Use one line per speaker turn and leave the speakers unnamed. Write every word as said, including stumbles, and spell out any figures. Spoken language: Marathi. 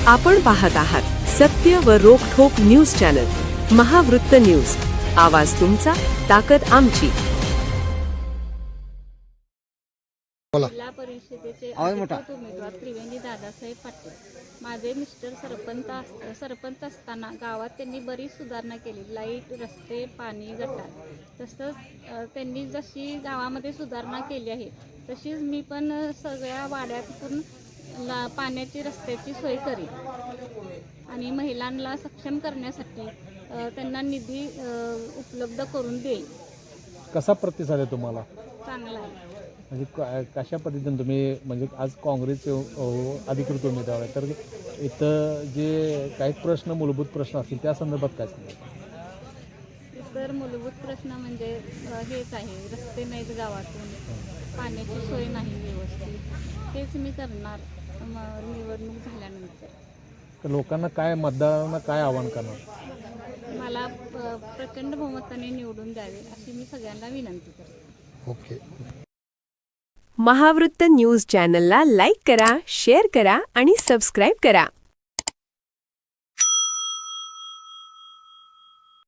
आपण पाहत आहात सत्य व रोखठोक न्यूज चॅनल महावृत्त न्यूज. आवाज तुमचा, ताकद आमची.
जिल्हा परिषदेचे अधिकृत उमेदवार त्रिवेणी दादासाहेब पाटील. माझे मिस्टर सरपंच अस- सरपंच असताना गावात त्यांनी बरीच सुधारणा केली. लाईट, रस्ते, पाणी, गटार. तसंच अ, त्यांनी जशी गावामध्ये सुधारणा केली आहे तशीच मी पण अ, सगळ्या वाड्यातून ला पाण्याची, रस्त्याची सोय करेन आणि महिलांना सक्षम करण्यासाठी अ, त्यांना निधी अ, उपलब्ध करून देईन.
कसा प्रतिसाद आहे तुम्हाला?
चांगला आहे.
म्हणजे क- कशा पद्धतीने तुम्ही, म्हणजे आज काँग्रेसचे अ, अधिकृत उमेदवार आहे, तर इथं जे काही प्रश्न, मूलभूत प्रश्न असतील त्या संदर्भात काय सांगाल?
तर मूलभूत प्रश्न म्हणजे अ, हेच आहे, रस्ते नाहीत गावातून, पाण्याची सोय नाही व्यवस्थित. तेच मी करणार म, निवडणूक झाल्यानंतर.
तर लोकांना काय, मतदारांना काय आवाहन करणार?
मला अ, प्रचंड बहुमताने निवडून द्यावे अशी मी सगळ्यांना विनंती करते.
ओके.
महावृत्त न्यूज चॅनलला लाईक करा, शेअर करा आणि सबस्क्राईब करा.